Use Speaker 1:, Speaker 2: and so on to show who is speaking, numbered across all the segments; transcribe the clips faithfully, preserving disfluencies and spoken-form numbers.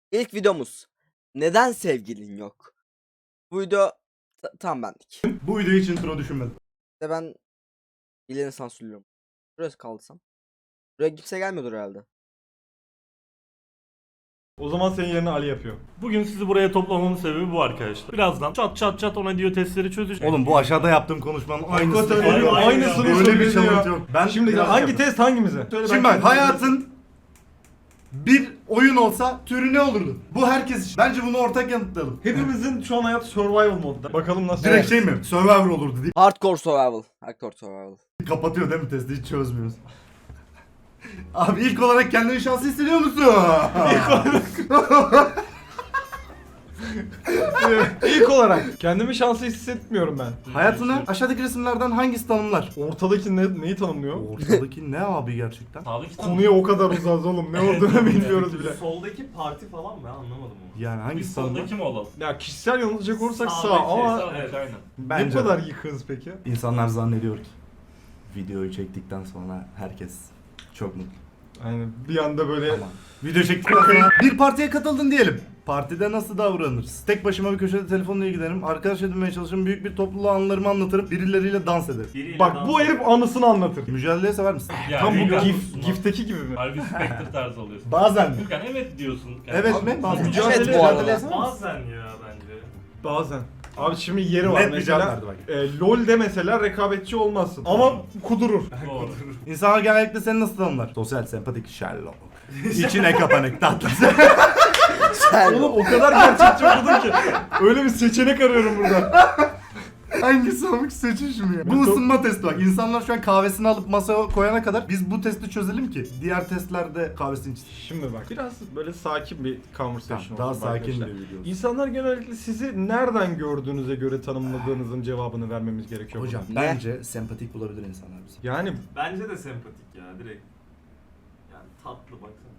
Speaker 1: İlk videomuz. Neden sevgilin yok? Bu video ta- tam bendik.
Speaker 2: Bu video için intro düşünmedim.
Speaker 1: İşte ben ilerini sansürlüyorum. Burası kaldırsam. Buraya kimse gelmiyordur herhalde.
Speaker 3: O zaman senin yerine Ali yapıyor.
Speaker 4: Bugün sizi buraya toplamamın sebebi bu arkadaşlar. Birazdan çat çat çat ona diyor testleri çözeceğiz.
Speaker 2: Oğlum bu aşağıda yaptığım konuşmanın aynısı.
Speaker 3: Hakikaten
Speaker 4: Aynı-
Speaker 3: öyle,
Speaker 4: aynı
Speaker 3: aynısını
Speaker 4: ya.
Speaker 2: Böyle bir
Speaker 3: söyledi
Speaker 2: challenge
Speaker 3: ya.
Speaker 2: yok. Ben
Speaker 3: Şimdi
Speaker 2: biraz
Speaker 3: hangi
Speaker 2: yapayım.
Speaker 3: test hangimize? Söyle
Speaker 2: Şimdi
Speaker 3: ben
Speaker 2: bak hayatın bir oyun olsa türü ne olurdu? Bu herkes için. Bence bunu ortak yanıtlayalım.
Speaker 3: Hepimizin şu an hayatı survival modda. Bakalım nasıl.
Speaker 2: Direkt şey mi? Survivor olurdu diye.
Speaker 1: Hardcore survival. Hardcore survival.
Speaker 2: Kapatıyor değil mi testi? Hiç çözmüyoruz. Abi ilk olarak kendini şanslı hissediyor musun?
Speaker 3: İlk olarak kendimi şanslı hissetmiyorum ben.
Speaker 2: Hayatını aşağıdaki resimlerden hangisi tanımlar?
Speaker 3: Ortadaki ne, neyi tanımlıyor?
Speaker 2: Ortadaki ne abi gerçekten?
Speaker 4: Sağdaki
Speaker 3: Konuya o kadar uzağız oğlum. Ne olduğunu bilmiyoruz bile.
Speaker 4: Soldaki parti falan mı? Ben anlamadım onu.
Speaker 2: Yani
Speaker 4: Biz
Speaker 2: hangisi tanımlar?
Speaker 4: soldaki mi olalım?
Speaker 3: Ya kişisel yanılacak olursak sağ
Speaker 4: Sağdaki,
Speaker 3: ama
Speaker 4: sağdaki, aynen.
Speaker 2: Bence
Speaker 3: ne
Speaker 2: de.
Speaker 3: kadar yıkığız peki?
Speaker 2: İnsanlar zannediyor ki videoyu çektikten sonra herkes çok mutlu.
Speaker 3: Aynen bir anda böyle
Speaker 2: Ama video çektikten sonra bir partiye katıldın diyelim. Partide nasıl davranırız? Tek başıma bir köşede telefonla ilgilenirim. Arkadaş edinmeye çalışırım. Büyük bir topluluğa anılarımı anlatırım. Birileriyle dans ederim.
Speaker 4: Biriyle
Speaker 3: bak
Speaker 4: dans
Speaker 3: bu herif anısını anlatır.
Speaker 2: Mücadeleyi sever misin?
Speaker 4: Ya,
Speaker 3: Tam bu
Speaker 4: biliyor
Speaker 3: gif,
Speaker 4: musun lan?
Speaker 3: gifteki gibi mi?
Speaker 4: Harbi Spectre tarzı oluyorsun.
Speaker 2: Bazen mi?
Speaker 4: Furkan evet diyorsun.
Speaker 2: Evet mi? Bazen.
Speaker 3: mücadele-
Speaker 1: Evet bu arada.
Speaker 2: sever misin?
Speaker 4: Bazen ya bence.
Speaker 3: Bazen. Abi şimdi yeri var
Speaker 2: Net bir cevap
Speaker 3: mesela.
Speaker 2: verdi bak.
Speaker 3: E, LoL'de mesela rekabetçi olmazsın. Ama kudurur.
Speaker 4: Doğru.
Speaker 2: İnsanlar genellikle seni nasıl tanımlar? Sosyal, sempatik, Sherlock. İçine kapanık, tatlı.
Speaker 3: Oğlum o kadar gerçekçi okudum ki. Öyle bir seçenek arıyorum burada.
Speaker 2: Hangisi olmak seçişim ya? Bu ısınma testi bak. İnsanlar şu an kahvesini alıp masaya koyana kadar biz bu testi çözelim ki diğer testlerde kahvesini içsin.
Speaker 3: Şimdi bak biraz böyle sakin bir conversation
Speaker 2: Daha
Speaker 3: olsun
Speaker 2: sakin
Speaker 3: arkadaşlar.
Speaker 2: bir video.
Speaker 3: İnsanlar genellikle sizi nereden gördüğünüze göre tanımladığınızın cevabını vermemiz gerekiyor.
Speaker 2: Hocam
Speaker 3: burada.
Speaker 1: Ne?
Speaker 2: bence sempatik bulabilir insanlar bizi.
Speaker 3: Yani
Speaker 4: Bence de sempatik ya direkt. Yani tatlı baksana.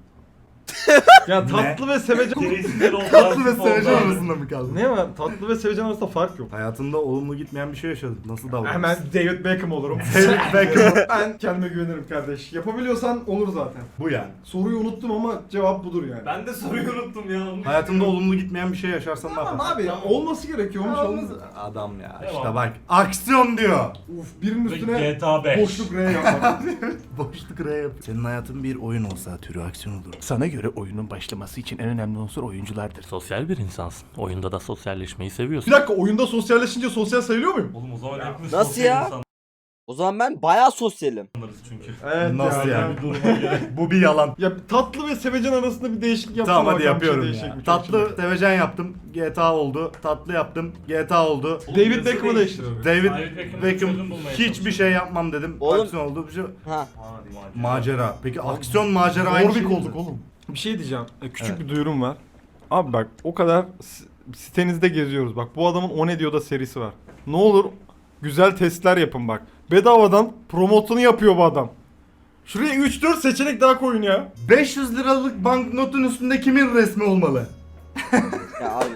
Speaker 3: ya tatlı ve sevecen
Speaker 4: Gereksizler oldu.
Speaker 2: Tatlı ve
Speaker 4: artık
Speaker 2: sevecen
Speaker 4: oldu.
Speaker 2: arasında mı kaldın?
Speaker 3: ne var? Tatlı ve sevecen arasında fark yok.
Speaker 2: Hayatında olumlu gitmeyen bir şey yaşadın. Nasıl davranırsın?
Speaker 3: Hemen David Beckham olurum.
Speaker 2: David Beckham.
Speaker 3: Ben kendime güvenirim kardeş. Yapabiliyorsan olur zaten.
Speaker 2: Bu yani.
Speaker 3: Soruyu unuttum ama cevap budur yani.
Speaker 4: Ben de soruyu unuttum ya. onu
Speaker 2: Hayatında olumlu gitmeyen bir şey yaşarsan ne
Speaker 3: Tamam
Speaker 2: yaparsın?
Speaker 3: abi ya olması gerekiyormuş olmaz.
Speaker 2: Adam ya
Speaker 4: Devam.
Speaker 2: işte bak. Aksiyon diyor.
Speaker 3: Uf birinin
Speaker 4: Ve
Speaker 3: üstüne
Speaker 4: G T A beş.
Speaker 3: boşluk R yapmak.
Speaker 2: Boşluk R yap. Senin hayatın bir oyun olsa türü aksiyon olur.
Speaker 5: Sana göre oyunun başlaması için en önemli unsur oyunculardır.
Speaker 4: Sosyal bir insansın. Oyunda da sosyalleşmeyi seviyorsun.
Speaker 3: Bir dakika oyunda sosyalleşince sosyal sayılıyor muyum?
Speaker 4: Oğlum o zaman hepimiz
Speaker 1: Nasıl
Speaker 4: sosyal
Speaker 1: ya?
Speaker 4: insanlarız
Speaker 1: O zaman ben bayağı sosyalim.
Speaker 4: çünkü.
Speaker 3: Evet
Speaker 2: Nasıl yani?
Speaker 4: Bir duruma göre.
Speaker 2: Bu bir yalan.
Speaker 3: Ya tatlı ve sevecen arasında bir değişiklik yapsam
Speaker 2: Tamam hadi
Speaker 3: bakalım,
Speaker 2: yapıyorum
Speaker 3: bir şey
Speaker 2: ya.
Speaker 3: değişecek mi? Çok
Speaker 2: Tatlı
Speaker 3: şimdi.
Speaker 2: sevecen yaptım. G T A oldu. Tatlı yaptım. G T A oldu.
Speaker 3: David Beckham'ı değiştiriyorum.
Speaker 2: David
Speaker 4: David Beckham'ın
Speaker 2: Beckham
Speaker 4: çözüm bulmaya
Speaker 2: hiçbir
Speaker 4: çalışıyor.
Speaker 2: şey yapmam dedim.
Speaker 1: Oğlum-
Speaker 2: Aksiyon oldu. Bir şey...
Speaker 1: Ha.
Speaker 4: Hadi
Speaker 2: Macera. Peki aksiyon macera aynı şey
Speaker 3: Warwick
Speaker 2: mi?
Speaker 3: olduk oğlum. Bir şey diyeceğim. E, Küçük
Speaker 2: Evet.
Speaker 3: bir duyurum var. Abi bak o kadar s- sitenizde geziyoruz. Bak bu adamın O Ne Diyor'da serisi var. Ne olur güzel testler yapın bak. Bedavadan promotunu yapıyor bu adam. Şuraya üç dört seçenek daha koyun ya.
Speaker 2: beş yüz liralık banknotun üstünde kimin resmi olmalı?
Speaker 1: Ya abi.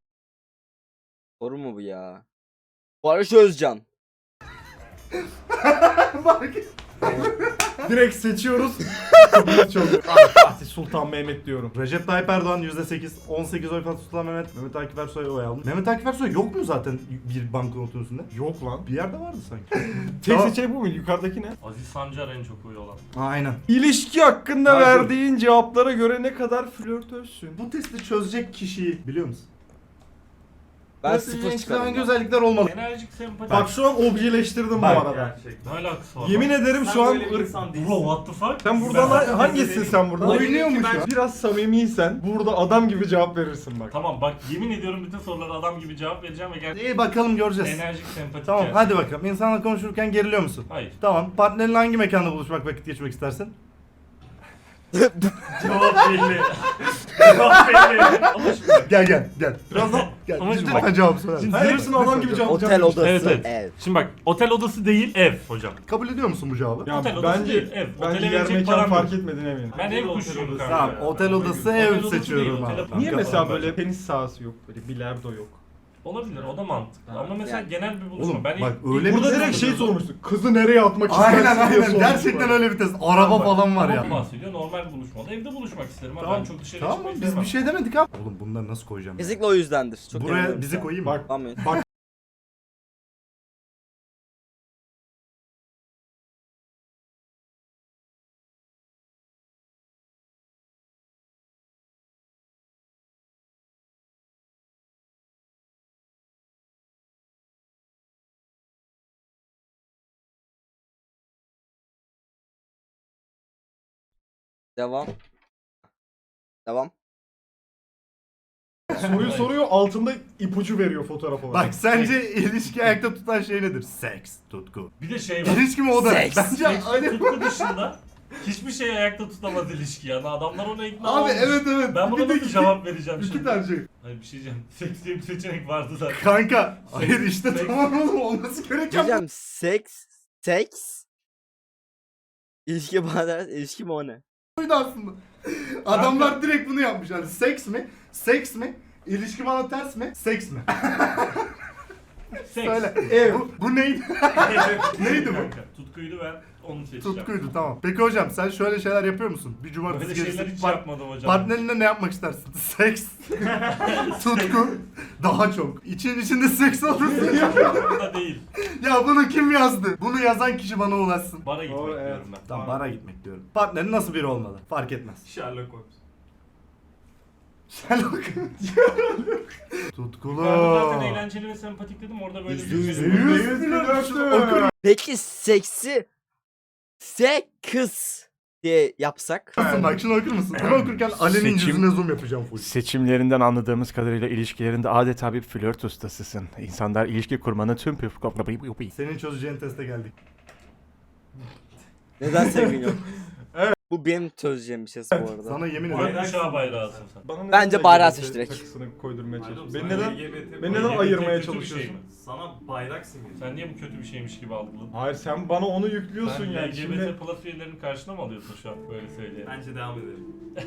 Speaker 1: Soru mu bu ya? Barış Özcan.
Speaker 3: Direkt seçiyoruz. Kapımız çalıyor. Abi Fatih Sultan Mehmet diyorum.
Speaker 2: Recep Tayyip Erdoğan yüzde sekiz, on sekiz oy Fatih Sultan Mehmet, Mehmet Akif Ersoy oy almış. Mehmet Akif Ersoy yok mu zaten bir banknotun üstünde?
Speaker 3: Yok lan.
Speaker 2: Bir yerde vardı sanki.
Speaker 3: Tek
Speaker 2: Tamam.
Speaker 3: seçenek bu mu? Yukarıdaki ne?
Speaker 4: Aziz Sancar en çok oyu olan.
Speaker 2: Ha, aynen.
Speaker 3: İlişki hakkında
Speaker 2: Hayır.
Speaker 3: verdiğin cevaplara göre ne kadar flörtözsün?
Speaker 2: Bu testi çözecek kişiyi biliyor musun?
Speaker 1: Ben
Speaker 2: Testi
Speaker 1: sıfır
Speaker 2: en
Speaker 1: çıkarım.
Speaker 2: hangi
Speaker 1: ya.
Speaker 2: özellikler olmalı?
Speaker 4: Enerjik sempatik.
Speaker 3: Bak şu an objeleştirdim bu
Speaker 2: Bak.
Speaker 3: arada.
Speaker 4: Gerçekten. Ne alakası var?
Speaker 3: Yemin ederim şu an
Speaker 4: Bro what the fuck?
Speaker 3: sen buradan
Speaker 4: Ben-
Speaker 3: ha- hangisin sen buradan?
Speaker 2: Oynuyormuş ya.
Speaker 3: Biraz samimiysen burada adam gibi cevap verirsin bak.
Speaker 4: Tamam bak yemin ediyorum bütün sorulara adam gibi cevap vereceğim ve gerçekten
Speaker 2: İyi bakalım göreceğiz.
Speaker 4: enerjik sempatik.
Speaker 2: Tamam
Speaker 4: gerçekten.
Speaker 2: hadi bakalım. İnsanla konuşurken geriliyor musun?
Speaker 4: Hayır.
Speaker 2: Tamam. Partnerinle hangi mekanda buluşmak, vakit geçirmek istersin?
Speaker 4: Cevap belli. Cevap belli. Ama şimdi
Speaker 2: Gel gel gel.
Speaker 3: Biraz da
Speaker 2: Gel.
Speaker 4: Ama şimdi
Speaker 2: Lütfen
Speaker 4: bak-
Speaker 2: cevap söyle.
Speaker 3: Şimdi
Speaker 2: Hayır,
Speaker 3: hepsini adam gibi cevap
Speaker 1: Otel
Speaker 3: vereceğim.
Speaker 1: odası.
Speaker 4: Evet, evet.
Speaker 1: Ev.
Speaker 4: Şimdi bak otel odası değil ev hocam.
Speaker 2: Kabul ediyor musun bu cevabı?
Speaker 3: Ya
Speaker 4: Otel odası
Speaker 3: bence
Speaker 4: değil, ev.
Speaker 3: bence
Speaker 4: Otele
Speaker 3: yer
Speaker 4: verecek
Speaker 3: mekan
Speaker 4: param
Speaker 3: fark
Speaker 4: yok.
Speaker 3: etmedin eminim.
Speaker 4: Ben
Speaker 2: Otel
Speaker 4: ev
Speaker 2: odası
Speaker 4: kuşuyum kanka.
Speaker 2: Tamam,
Speaker 4: ya.
Speaker 2: otel odası
Speaker 4: Otel
Speaker 2: ev
Speaker 4: odası
Speaker 2: seçiyorum
Speaker 4: değil,
Speaker 2: abi.
Speaker 4: otel-
Speaker 2: Kanka,
Speaker 3: Niye mesela
Speaker 4: bence.
Speaker 3: böyle tenis sahası yok? Böyle bilardo yok.
Speaker 4: Olabilir, o da mantıklı. Ama mesela
Speaker 1: Yani.
Speaker 4: genel bir buluşma.
Speaker 2: Oğlum
Speaker 4: ben
Speaker 2: bak
Speaker 4: ilk-
Speaker 2: öyle
Speaker 4: ilk-
Speaker 2: bir
Speaker 3: Burada
Speaker 2: test
Speaker 3: direkt şey
Speaker 2: oluyor.
Speaker 3: sormuştuk. Kızı nereye atmak istersin
Speaker 2: Aynen
Speaker 3: diye
Speaker 2: aynen.
Speaker 3: sormuştuk.
Speaker 2: Gerçekten öyle bir test. Araba
Speaker 4: Bak,
Speaker 2: falan var
Speaker 4: tamam
Speaker 2: ya.
Speaker 4: bahsediyor. Normal bir buluşmada evde buluşmak isterim. Tamam. Ben çok dışarı
Speaker 2: Tamam
Speaker 4: çıkmayı
Speaker 2: biz
Speaker 4: sevmem.
Speaker 2: bir şey demedik abi. Oğlum bunları nasıl koyacağım? ya?
Speaker 1: Kesinlikle o yüzdendir. Çok
Speaker 2: Buraya
Speaker 1: inanıyorum
Speaker 2: bizi
Speaker 1: sana.
Speaker 2: koyayım mı?
Speaker 3: Bak
Speaker 1: Tamam.
Speaker 3: bak
Speaker 1: Devam. Devam.
Speaker 3: soruyu soruyor altında ipucu veriyor fotoğraf olarak.
Speaker 2: Bak sence ilişki ayakta tutan şey nedir? Seks, tutku.
Speaker 4: Bir de şey var.
Speaker 2: İlişki mi o da?
Speaker 1: Seks.
Speaker 2: Bence
Speaker 4: Seks ve
Speaker 2: hani...
Speaker 4: tutku dışında hiçbir şey ayakta tutamaz ilişki yani. Adamlar ona ikna
Speaker 2: Abi
Speaker 4: olmuş.
Speaker 2: evet evet.
Speaker 4: Ben buna
Speaker 2: Bir de
Speaker 4: nasıl
Speaker 2: iki-
Speaker 4: cevap vereceğim
Speaker 2: İki
Speaker 4: şimdi?
Speaker 2: tane şey.
Speaker 4: Hayır bir şey diyeceğim. Seks diye bir seçenek vardı zaten.
Speaker 2: Kanka. Hayır işte
Speaker 4: seks.
Speaker 2: tamam oğlum olması gereken bu.
Speaker 1: Diyeceğim seks. Seks. İlişki bana derse ilişki mi o ne?
Speaker 2: buydu aslında. Adamlar direkt bunu yapmış. Yani seks mi? Seks mi? İlişki bana ters mi? Seks mi?
Speaker 4: Seks.
Speaker 2: Söyle.
Speaker 3: Evet.
Speaker 2: Bu, bu neydi? Neydi bu?
Speaker 4: Kanka, tutkuydu ben onu seçeceğim.
Speaker 2: Tutkuydu tamam. Peki hocam sen şöyle şeyler yapıyor musun? Bir cumartesi
Speaker 4: Böyle şeyler
Speaker 2: gecesi
Speaker 4: hiç
Speaker 2: par-
Speaker 4: yapmadım hocam.
Speaker 2: partnerinle ne yapmak istersin? Seks. Tutku. Daha çok. İçin içinde seks olursun ya.
Speaker 4: Bu da değil.
Speaker 2: Ya bunu kim yazdı? Bunu yazan kişi bana ulaşsın.
Speaker 4: Bara gitmek
Speaker 3: Doğru, evet.
Speaker 4: diyorum ben.
Speaker 2: Tamam bara gitmek diyorum. Partnerin nasıl biri olmalı? Fark etmez.
Speaker 4: Sherlock Holmes.
Speaker 2: Sherlock. Tutkulu.
Speaker 4: Ben de zaten eğlenceli ve sempatik dedim orada böyle
Speaker 1: Yüzde
Speaker 4: bir
Speaker 1: yüz.
Speaker 4: şey.
Speaker 2: Yüz milyon okur
Speaker 1: Peki seksi seks diye yapsak?
Speaker 2: musun? Bak şunu okur musun? Bunu okurken Ali'nin
Speaker 5: Seçim-
Speaker 2: yüzüne zoom yapacağım full.
Speaker 5: Seçimlerinden anladığımız kadarıyla ilişkilerinde adeta bir flört ustasısın. İnsanlar ilişki kurmanın tüm püf...
Speaker 2: Senin çözeceğin teste geldik.
Speaker 1: Neden sevgin yok? Bu benim çözeceğim bir şey bu arada.
Speaker 2: Sana yemin ederim.
Speaker 4: Bayrak uşağı bayrağısın sen.
Speaker 3: Bana neden
Speaker 1: Bence
Speaker 3: L G B T
Speaker 1: bayrağı seç direkt.
Speaker 3: takısını koydurmaya çalışıyorsun?
Speaker 6: Sen
Speaker 3: Beni neden,
Speaker 6: L G B T
Speaker 3: beni
Speaker 4: L
Speaker 3: neden
Speaker 4: G B T
Speaker 3: ayırmaya
Speaker 4: kötü bir şey
Speaker 3: çalışıyorsun?
Speaker 4: mi?
Speaker 6: Sana bayrak simgesi.
Speaker 4: Sen niye bu kötü bir şeymiş gibi algıladın?
Speaker 3: Hayır sen bana onu yüklüyorsun
Speaker 4: Sen
Speaker 3: yani.
Speaker 4: L G B
Speaker 3: Şimdi
Speaker 4: T plus üyelerinin karşına mı alıyorsun şu an böyle söyleyeyim?
Speaker 6: Bence devam edelim.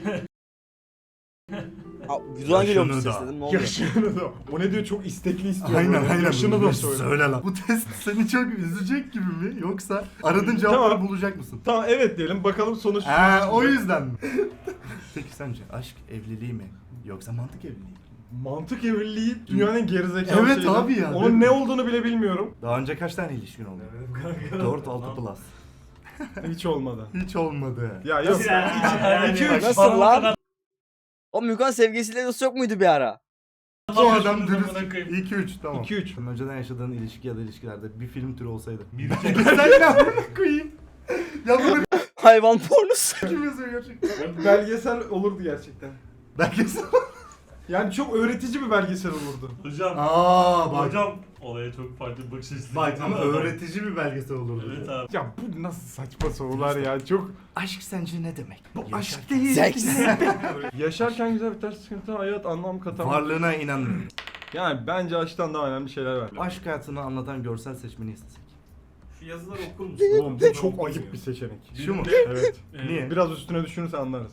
Speaker 1: Aa, Güzel geliyor bu
Speaker 2: Yaşını
Speaker 1: ses
Speaker 2: da.
Speaker 1: dedim ne oldu?
Speaker 3: yaşını da. O ne diyor çok istekli istiyor.
Speaker 2: Aynen
Speaker 3: böyle.
Speaker 2: aynen.
Speaker 3: Yaşını da söyle.
Speaker 2: Söyle lan. Bu test seni çok üzecek gibi mi? Yoksa aradığın cevapları
Speaker 3: Tamam.
Speaker 2: bulacak mısın?
Speaker 3: Tamam evet diyelim bakalım sonuç.
Speaker 2: Ha o yüzden mi? Peki sence aşk evliliği mi? Yoksa mantık evliliği mi?
Speaker 3: Mantık evliliği dünyanın en gerizekalı
Speaker 2: Evet
Speaker 3: şeyi.
Speaker 2: abi ya, değil
Speaker 3: Onun
Speaker 2: mi?
Speaker 3: ne olduğunu bile bilmiyorum.
Speaker 2: Daha önce kaç tane ilişkin oldu? dört altı plus.
Speaker 3: Hiç olmadı.
Speaker 2: Hiç olmadı.
Speaker 3: Ya yok.
Speaker 4: Yani
Speaker 3: iki,
Speaker 4: bak,
Speaker 3: üç.
Speaker 1: Nasıl
Speaker 4: bana bu
Speaker 1: lan?
Speaker 4: kadar
Speaker 1: O Mükon sevgilisiyle dost yok muydu bir ara?
Speaker 2: Bu adam
Speaker 4: yapıyorsunuz amına
Speaker 2: dürüst.
Speaker 4: koyayım.
Speaker 2: iki üç tamam.
Speaker 3: iki üç.
Speaker 2: Önceden yaşadığın ilişki ya da ilişkilerde bir film türü olsaydı.
Speaker 4: Bir
Speaker 2: Sen ne yapıyorsun koyayım? Ya bunu
Speaker 1: Hayvan pornosu.
Speaker 2: kim yazıyor gerçekten?
Speaker 3: Belgesel olurdu gerçekten.
Speaker 2: Belgesel.
Speaker 3: Yani çok öğretici bir belgesel olurdu.
Speaker 4: Hocam,
Speaker 2: Aa bak.
Speaker 4: hocam olaya çok farklı bir bakış açısı.
Speaker 2: Bak ama
Speaker 4: getirdi adam.
Speaker 2: öğretici bir belgesel olurdu.
Speaker 4: Evet abi.
Speaker 3: Ya bu nasıl saçma sorular ya. Çok
Speaker 2: Aşk sence ne demek? Bu
Speaker 3: aşk değil.
Speaker 1: Seks.
Speaker 3: Yaşarken güzel biter, sıkıntı hayat anlam katamaz.
Speaker 2: Varlığına inanmıyorum.
Speaker 3: Yani bence aşktan daha önemli şeyler var.
Speaker 2: Aşk hayatını anlatan görsel seçmeni istesek.
Speaker 6: Şu yazıları okur musun?
Speaker 3: Oğlum bu çok ayıp bir seçenek.
Speaker 2: Şu mu?
Speaker 3: Evet.
Speaker 4: Ee,
Speaker 2: Niye?
Speaker 3: Biraz üstüne düşünürsen anlarız.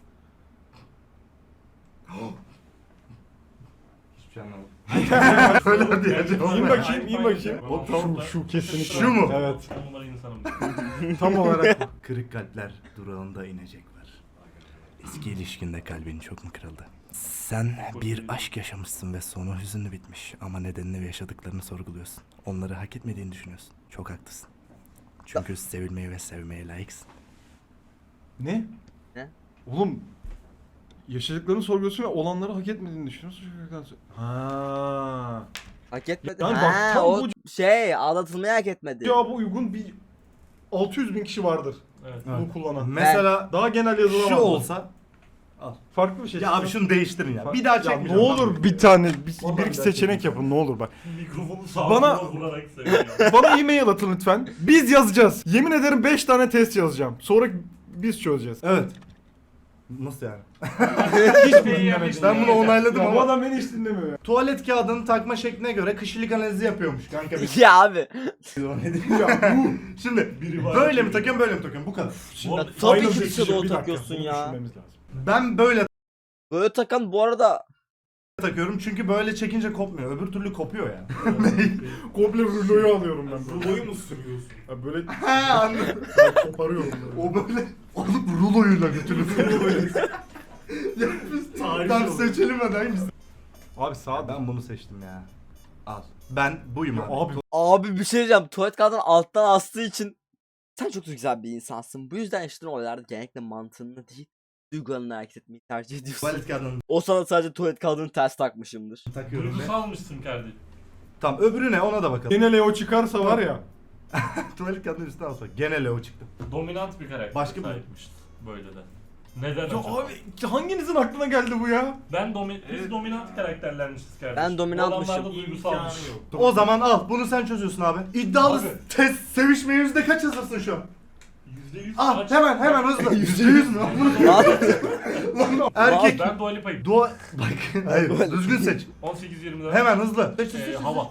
Speaker 2: Hiçbir şey anlamadım. Öyle diyeceğim.
Speaker 3: İn bakayım, in bakayım.
Speaker 4: O
Speaker 3: Şu, şu kesinlikle.
Speaker 2: Şu mu?
Speaker 3: Evet.
Speaker 4: On numara insanım.
Speaker 3: Tam olarak.
Speaker 2: Kırık kalpler durağında inecek var. Eski ilişkinde kalbin çok mu kırıldı? Sen bir aşk yaşamışsın ve sonu hüzünlü bitmiş. Ama nedenini ve yaşadıklarını sorguluyorsun. Onları hak etmediğini düşünüyorsun. Çok haklısın. Çünkü sevilmeye ve sevmeye layıksın.
Speaker 3: Ne?
Speaker 1: Ne?
Speaker 3: Oğlum yaşadıklarını sorguluyorsun ve olanları hak etmediğini düşünüyorsun. Ha.
Speaker 1: Hak etmedi.
Speaker 3: Yani bak,
Speaker 1: Ha,
Speaker 3: tam
Speaker 1: o
Speaker 3: bu-
Speaker 1: şey aldatılmayı hak etmedi.
Speaker 3: Cevabı uygun bir altı yüz bin kişi vardır
Speaker 4: Evet.
Speaker 3: bunu kullanan.
Speaker 2: Mesela
Speaker 3: Daha genel yazılamaz.
Speaker 2: şu olsa.
Speaker 3: Farklı bir şey.
Speaker 2: Ya abi şunu değiştirin ya. Bir daha
Speaker 3: Ya
Speaker 2: çekmeyeceğim.
Speaker 3: ne olur bir tane bir,
Speaker 2: Vallahi
Speaker 3: bir
Speaker 2: bir
Speaker 3: iki
Speaker 2: daha
Speaker 3: seçenek
Speaker 2: çekmeyeceğim.
Speaker 3: yapın ne olur bak.
Speaker 4: Mikrofonu sağa
Speaker 3: Bana-
Speaker 4: sola vurarak söylüyor.
Speaker 3: Bana e-mail atın lütfen. Biz yazacağız. Yemin ederim beş tane test yazacağım. Sonra biz çözeceğiz.
Speaker 2: Evet. Nasıl yani?
Speaker 3: Hiç mi dinlemedin
Speaker 2: Ben
Speaker 3: ya?
Speaker 2: bunu onayladım
Speaker 3: Ya bu
Speaker 2: ama.
Speaker 3: adam beni hiç dinlemiyor ya.
Speaker 2: Tuvalet kağıdını takma şekline göre kişilik analizi yapıyormuş kanka. bir-
Speaker 1: Ya abi.
Speaker 2: ya bu. Şimdi
Speaker 4: Biri var,
Speaker 2: böyle mi
Speaker 4: biri-
Speaker 2: takıyorum böyle mi takıyorum bu kadar.
Speaker 3: Şimdi
Speaker 4: Tabii
Speaker 1: Tabii
Speaker 3: final
Speaker 1: ki bir
Speaker 3: decision,
Speaker 1: şey doğru
Speaker 3: bir dakika,
Speaker 1: takıyorsun
Speaker 3: bunu
Speaker 1: ya.
Speaker 3: düşünmemiz lazım.
Speaker 2: Ben böyle
Speaker 1: Böyle takan bu arada
Speaker 2: takıyorum çünkü böyle çekince kopmuyor. Öbür türlü kopuyor yani.
Speaker 3: Komple ruloyu alıyorum ben.
Speaker 6: Ruloyu mu sürüyorsun?
Speaker 3: Ha böyle
Speaker 2: He anladım.
Speaker 3: ben koparıyorum böyle.
Speaker 2: O böyle alıp ruloyla götürüyor. Ya biz
Speaker 6: Tarih
Speaker 2: tam
Speaker 6: oldu.
Speaker 2: seçelim hadi hangisi?
Speaker 3: Abi sağ
Speaker 2: Ben bunu seçtim ya. Al. Ben buyum abi.
Speaker 3: Abi
Speaker 1: Abi bir şey diyeceğim. Tuvalet kağıdını alttan astığı için sen çok güzel bir insansın. Bu yüzden yaşadığın olaylarda genellikle mantığını değil, duygularını hareket etmeyi tercih ediyorsun.
Speaker 2: Tuvalet kağıdını
Speaker 1: O sana sadece tuvalet kağıdını ters takmışımdır.
Speaker 2: takıyorum ve...
Speaker 4: Duygusalmışsın kardeşim.
Speaker 2: Tamam öbürü ne ona da bakalım.
Speaker 3: gene Leo çıkarsa var ya.
Speaker 2: Tuvalet kağıdının üstüne asma. Gene Leo çıktı.
Speaker 4: Dominant bir karakter
Speaker 2: Başka bir-
Speaker 4: sahipmiş. Böyle de. Neden
Speaker 3: Ya
Speaker 4: acaba?
Speaker 3: abi hanginizin aklına geldi bu ya?
Speaker 4: Ben domi biz dominant karakterlermişiz kardeşim.
Speaker 1: Ben dominantmışım.
Speaker 4: Bu adamlar da duygusalmış.
Speaker 6: İmkanı yok.
Speaker 2: O zaman al bunu sen çözüyorsun abi. İddialı
Speaker 4: Abi.
Speaker 2: test sevişme yüzde kaç hazırsın şu an?
Speaker 4: yüzde yüz
Speaker 2: Al
Speaker 4: kaç-
Speaker 2: hemen hemen hızlı. Yüzde yüz mü?
Speaker 1: Lan,
Speaker 2: Erkek.
Speaker 4: Ben Dua Lipa'yım.
Speaker 2: Dua... Bak hayır düzgün seç.
Speaker 4: on sekiz yirmi dört.
Speaker 2: Hemen hızlı. Seç, seç,
Speaker 4: Ee,
Speaker 2: seç, seç.
Speaker 4: hava.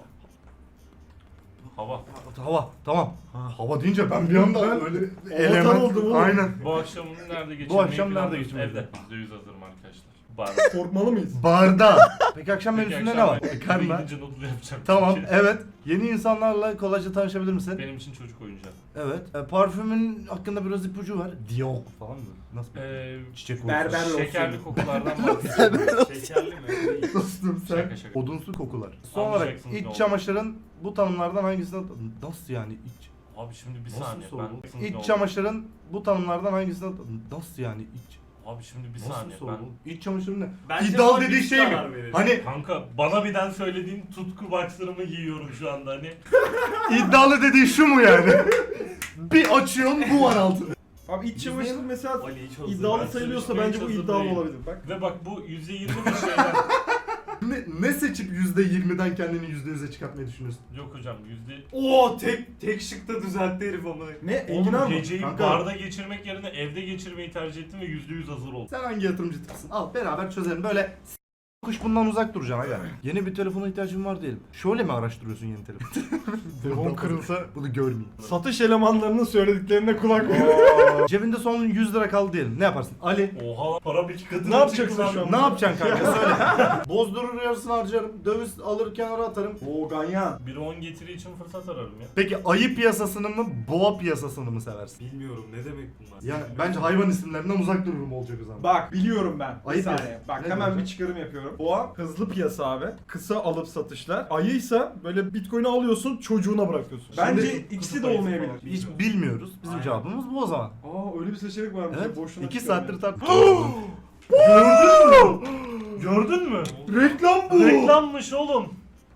Speaker 4: Hava.
Speaker 2: Hava tamam. Hava deyince ben bir anda öyle element
Speaker 3: oldum oğlum.
Speaker 2: Aynen.
Speaker 4: Bu akşamını nerede geçirmeyi
Speaker 2: akşam nerede
Speaker 4: planlıyoruz?
Speaker 2: geçirmeyi
Speaker 4: Evde. yüzde yüz hazırım arkadaşlar. Barda.
Speaker 3: Korkmalı mıyız?
Speaker 2: Barda. Peki akşam
Speaker 4: Peki
Speaker 2: menüsünde
Speaker 4: akşam
Speaker 2: ne var?
Speaker 4: ben
Speaker 2: Karma.
Speaker 4: gidince notlu yapacağım.
Speaker 2: Tamam
Speaker 4: çünkü.
Speaker 2: evet. Yeni insanlarla kolayca tanışabilir misin?
Speaker 4: Benim için çocuk oyuncağı.
Speaker 2: Evet. E, parfümün hakkında biraz ipucu var. Dior falan mı? Nasıl?
Speaker 4: Ee,
Speaker 2: Çiçek
Speaker 6: Berber
Speaker 2: kokusu.
Speaker 4: şekerli kokulardan bahsediyorum.
Speaker 6: Şekerli mi? Değil.
Speaker 2: Dostum sen.
Speaker 4: Şaka şaka.
Speaker 2: Odunsu kokular. Son olarak
Speaker 4: Anlayacaksınız ne
Speaker 2: iç
Speaker 4: olduğunu.
Speaker 2: çamaşırın bu tanımlardan hangisine... Nasıl yani iç?
Speaker 4: Abi şimdi bir
Speaker 2: Nasıl
Speaker 4: saniye.
Speaker 2: soru bu?
Speaker 4: Ben
Speaker 2: İç çamaşırın bu tanımlardan hangisine... Nasıl yani iç?
Speaker 4: Abi şimdi bir
Speaker 2: Nasıl
Speaker 4: saniye.
Speaker 2: soru
Speaker 4: Ben
Speaker 2: bu? İç çamaşırı ne?
Speaker 6: Bence
Speaker 2: İddialı
Speaker 6: bana
Speaker 2: dediği
Speaker 6: bir
Speaker 2: şey mi?
Speaker 6: karar verelim.
Speaker 2: Hani
Speaker 4: kanka bana birden söylediğin tutku boxer'ımı giyiyorum şu anda hani.
Speaker 2: iddialı dediği şu mu yani? Bir açıyorsun bu var altında.
Speaker 3: Abi iç çamaşırı mesela
Speaker 6: Ali hiç hazır.
Speaker 3: iddialı
Speaker 4: Ben
Speaker 3: sayılıyorsa
Speaker 4: söyleyeyim,
Speaker 3: bence bu
Speaker 4: hiç hazır
Speaker 3: iddialı
Speaker 4: değil.
Speaker 3: olabilir bak.
Speaker 4: Ve bak bu yüzde yirmi bir şeyden.
Speaker 2: Ne, ne seçip yüzde yirmiden kendini yüzde yüze çıkartmayı düşünüyorsun?
Speaker 4: Yok hocam yüzde...
Speaker 6: Oo tek tek şıkta düzeltti herif ama.
Speaker 3: Ne? Enginar
Speaker 4: Oğlum
Speaker 3: mı?
Speaker 4: geceyi
Speaker 2: Kanka.
Speaker 4: barda geçirmek yerine evde geçirmeyi tercih ettim ve yüzde yüz hazır oldum.
Speaker 2: Sen hangi yatırımcı tipisin? Al beraber çözelim. Böyle s- kuş bundan uzak duracaksın aga. Yeni bir telefona ihtiyacım var diyelim. Şöyle mi araştırıyorsun yeni telefon?
Speaker 3: Telefon kırılsa
Speaker 2: Bunu görmeyeyim.
Speaker 3: satış elemanlarının söylediklerine kulak ver.
Speaker 2: Cebinde son yüz lira kaldı diyelim. Ne yaparsın? Ali.
Speaker 4: Oha para bir katına
Speaker 3: Ne yapacaksın
Speaker 4: çıktı lan.
Speaker 3: şu an?
Speaker 2: Ne yapacaksın kanka söyle. Bozdurur yarısını harcarım. Döviz alır kenara atarım.
Speaker 3: Oo ganyan.
Speaker 4: Bir on getiri için fırsat ararım ya.
Speaker 2: Peki ayı piyasasını mı boğa piyasasını mı seversin?
Speaker 6: Bilmiyorum ne demek bunlar.
Speaker 2: Yani bence hayvan isimlerinden uzak dururum olacak o zaman.
Speaker 3: Bak biliyorum ben. Bir
Speaker 2: Ayıp
Speaker 3: saniye.
Speaker 2: ya.
Speaker 3: Bak
Speaker 2: Ne
Speaker 3: hemen
Speaker 2: diyorsun?
Speaker 3: bir çıkarım yapıyorum. Boğa hızlı piyasa abi. Kısa alıp satışlar. Ayıysa böyle bitcoin'i alıyorsun çocuğuna bırakıyorsun. Bence
Speaker 2: Şimdi
Speaker 3: ikisi de
Speaker 6: kutup ayısı
Speaker 3: olmayabilir.
Speaker 6: falan.
Speaker 2: Hiç bilmiyoruz. Bizim
Speaker 6: Aynen.
Speaker 2: cevabımız bu o zaman.
Speaker 3: Aa öyle bir seçenek varmış.
Speaker 2: Evet.
Speaker 3: Boşuna
Speaker 2: İki
Speaker 3: çıkıyorum
Speaker 2: saattir
Speaker 3: ya.
Speaker 2: tartışıyoruz.
Speaker 4: Gördün mü? Gördün mü?
Speaker 3: Reklam bu.
Speaker 4: Reklammış oğlum.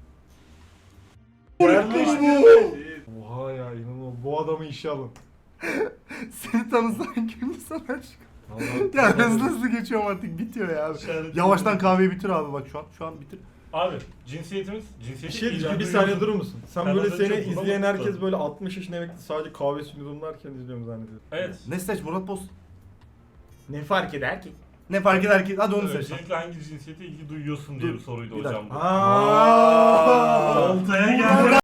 Speaker 3: Reklam bu. Oha ya inanılmaz. Bu adamı işe alın.
Speaker 2: Seni tanısan kimdi sana aşk?
Speaker 3: Vallahi-
Speaker 2: Ya hızlı hızlı geçiyorum artık bitiyor ya abi. Yavaştan kahveyi bitir abi bak şu an. Şu an bitir.
Speaker 4: Abi cinsiyetimiz
Speaker 3: Bir
Speaker 4: cinsiyeti
Speaker 3: şey diyeceğim. Bir
Speaker 4: ilgi
Speaker 3: saniye
Speaker 4: duyuyorsun.
Speaker 3: durur musun? Sen
Speaker 4: Ben
Speaker 3: böyle
Speaker 4: az önce
Speaker 3: seni
Speaker 4: buna
Speaker 3: izleyen
Speaker 4: baktım.
Speaker 3: herkes böyle altmış yaşına emekli sadece kahvesini yudumlarken izliyorum zannediyor.
Speaker 4: Evet.
Speaker 2: Ne seç Murat Boz?
Speaker 3: Ne fark eder ki?
Speaker 2: Ne fark eder ki? Hadi onu seç. lan.
Speaker 4: Öncelikle hangi cinsiyete ilgi duyuyorsun diye
Speaker 2: Dur,
Speaker 4: bir soruydu
Speaker 2: bir
Speaker 4: hocam bu.
Speaker 3: Aaa.
Speaker 4: Oltaya geldi.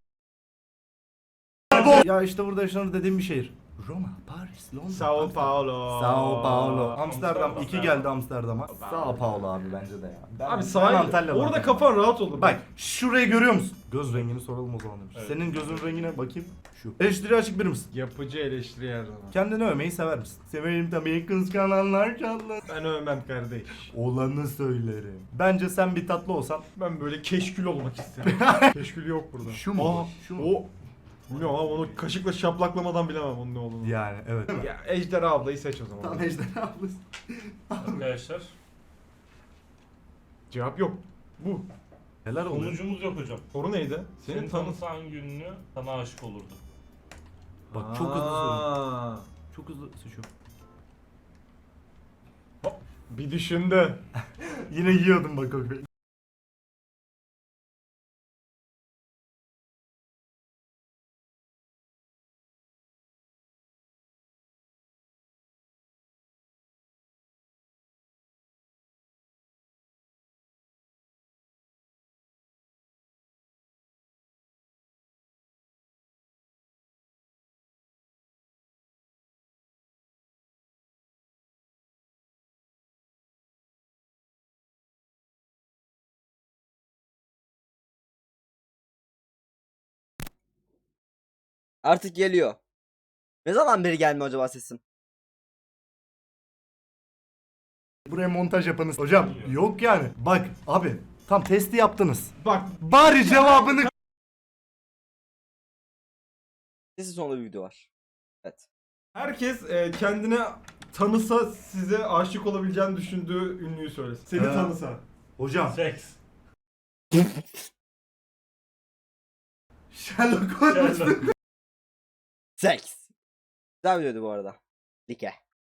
Speaker 2: Ya işte burada yaşanır dediğim bir şehir. Roma, Paris, Londra.
Speaker 3: Sao
Speaker 2: Amsterdam.
Speaker 3: Paulo.
Speaker 2: Sao Paulo. Amsterdam.
Speaker 4: Amsterdam.
Speaker 2: iki geldi Amsterdam'a. Sao Paulo abi bence de ya. Ben-
Speaker 3: Abi
Speaker 2: ben
Speaker 3: sahil.
Speaker 2: Antalya'dan
Speaker 3: Orada
Speaker 2: yani.
Speaker 3: kafan rahat olur.
Speaker 2: Bak şurayı görüyor musun? Göz rengini soralım o zaman demiş.
Speaker 4: Evet.
Speaker 2: Senin gözün rengine bakayım. Şu. Eleştiri açık biri misin?
Speaker 3: Yapıcı eleştiri her zaman.
Speaker 2: Kendini övmeyi sever misin? Severim tabii kıskananlar çallar.
Speaker 3: Ben övmem kardeş.
Speaker 2: Olanı söylerim. Bence sen bir tatlı olsan.
Speaker 3: Ben böyle keşkül olmak isterim. Keşkül yok burada.
Speaker 2: Şu mu?
Speaker 3: Aa,
Speaker 2: Şu mu?
Speaker 3: O. Bilmiyorum ama onu kaşıkla şaplaklamadan bilemem onun ne olduğunu. Ya,
Speaker 2: Yani evet.
Speaker 3: Ejderha ablayı seç o zaman.
Speaker 2: Tam ejderha ablası.
Speaker 4: Arkadaşlar
Speaker 3: Cevap yok. Bu.
Speaker 2: Neler oluyor?
Speaker 4: sonucumuz yok hocam.
Speaker 3: Soru neydi?
Speaker 4: Senin
Speaker 3: Senin tanı...
Speaker 4: tanısan gününü sana aşık olurdu.
Speaker 2: Bak çok hızlı soruyor.
Speaker 3: Aa,
Speaker 2: Çok hızlı seçiyorum.
Speaker 3: Bir düşündü.
Speaker 2: Yine yiyordum bak o
Speaker 1: Artık geliyor. Ne zaman beri gelmiyor acaba sesim?
Speaker 2: Buraya montaj yapanız. Hocam yok yani. Bak abi tam testi yaptınız.
Speaker 3: Bak
Speaker 2: Bari cevabını
Speaker 1: Sesin sonunda bir video var. Evet.
Speaker 3: herkes e, kendine tanısa size aşık olabileceğini düşündüğü ünlüyü söylesin. Seni
Speaker 2: Ee,
Speaker 3: tanısa.
Speaker 2: Hocam
Speaker 4: Seks.
Speaker 3: Sherlock Holmes.
Speaker 4: Sherlock.
Speaker 1: Seks. Güzel videoydu bu arada. Like.